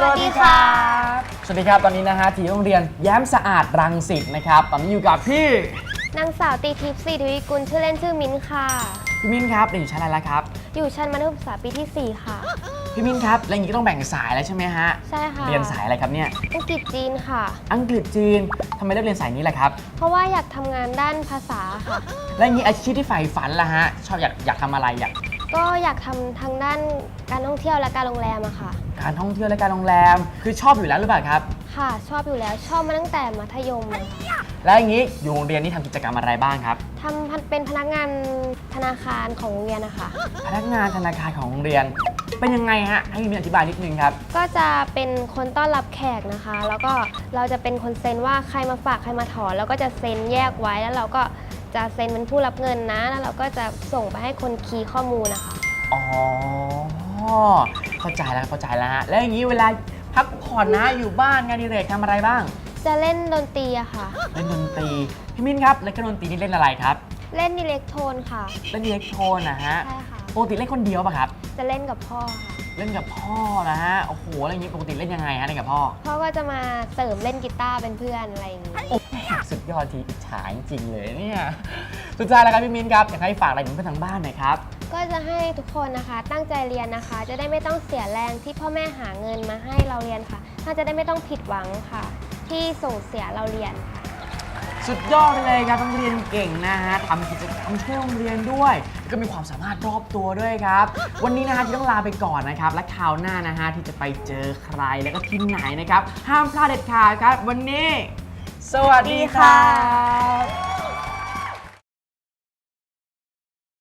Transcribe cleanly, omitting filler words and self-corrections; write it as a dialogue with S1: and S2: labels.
S1: วัสดีครับสวัสดีครับตอนนี้นะฮะที่โรงเรียนแย้มสะอาดรังสิตนะครับตอนนี้อยู่กับพี่
S2: นางสาวตีทิพย์ศรีทวีกุลชื่อเล่นชื่อมิ้นค่ะ
S1: พี่มิ้นครับเรียนอยู่ชั้นอะไรแล้วครับ
S2: อยู่ชั้นมัธยมศึกษาปีที่4ค่ะ
S1: พี่มิ้นครับแล้วอย่างนี้ก็ต้องแบ่งสายแล้วใช่ไหมฮะ
S2: ใช่ค่ะ
S1: เรียนสายอะไรครับเนี่ย
S2: อังกฤษจีนค่ะ
S1: อังกฤษจีนทำไมเลือกเรียนสายนี้ล่ะครับ
S2: เพราะว่าอยากทำงานด้านภาษาค่ะ
S1: แล้วอย่างนี้อาชีพที่ใฝ่ฝันล่ะฮะชอบอยากทำอะไร
S2: ก็อยากทำทางด้านการท่องเที่ยวและการโรงแรมอะค่ะ
S1: การท่องเที่ยวและการโรงแรมคือชอบอยู่แล้วหรือเปล่าครับ
S2: ค่ะชอบอยู่แล้วชอบมาตั้งแต่มัธยมเลย
S1: แล้วอย่างนี้อยู่โรงเรียนนี่ทำกิจกรรมอะไรบ้างครับ
S2: ทำเป็นพนักงานธนาคารของโรงเรียนนะคะ
S1: พนักงานธนาคารของโรงเรียนเป็นยังไงฮะให้พี่มิ้นอธิบายนิดนึงครับ
S2: ก็จะเป็นคนต้อนรับแขกนะคะแล้วก็เราจะเป็นคนเซ็นว่าใครมาฝากใครมาถอนแล้วก็จะเซ็นแยกไว้แล้วเราก็จะเซ็นเป็นผู้รับเงินนะแล้วเราก็จะส่งไปให้คนคีย์ข้อมูลนะคะ
S1: อ๋อเข้าใจแล้วฮะแล้วอย่างนี้เวลาพักผ่อนนะอยู่บ้านงานอดิเรกทำอะไรบ้าง
S2: จะเล่นดนตรีอะค่ะ
S1: เล่นดนตรีพี่มิ้นครับเล่นดนตรีนี่เล่นอะไรครับ
S2: เล่นอิเล็กโทรนค่ะ
S1: เล่นอิเล็กโทรนนะฮะ
S2: ใช่ค่ะ
S1: ปกติเล่นคนเดียวป่ะครับ
S2: จะเล่นกับพ่อค่ะ
S1: เล่นกับพ่อนะฮะโอ้โหอะไรอย่างนี้ปกติเล่นยังไงฮะเล่นกับพ่อ
S2: พ่อก็จะมาเสริมเล่นกีตาร์เป็นเพื่อนอะไรอย่างนี้
S1: โอ้สุดยอดทีอิจฉาจริงเลยเนี่ยสุดท้ายแล้วครับพี่มิ้นครับอยากให้ฝากอะไรถึงเพื่อนทางบ้านหน่อยครับ
S2: ก็จะให้ทุกคนนะคะตั้งใจเรียนนะคะจะได้ไม่ต้องเสียแรงที่พ่อแม่หาเงินมาให้เราเรียนค่ะถ้าจะได้ไม่ต้องผิดหวังค่ะที่ส่งเสียเราเรียนค่ะ
S1: สุดยอดเลยครับต้องเรียนเก่งนะฮะทำกิจกรรมช่วยโรงเรียนด้วยก็มีความสามารถรอบตัวด้วยครับวันนี้นะฮะที่ต้องลาไปก่อนนะครับและคราวหน้านะฮะที่จะไปเจอใครแล้วก็ที่ไหนนะครับห้ามพลาดเด็ดขาดครับวันนี้สวัสดีครับ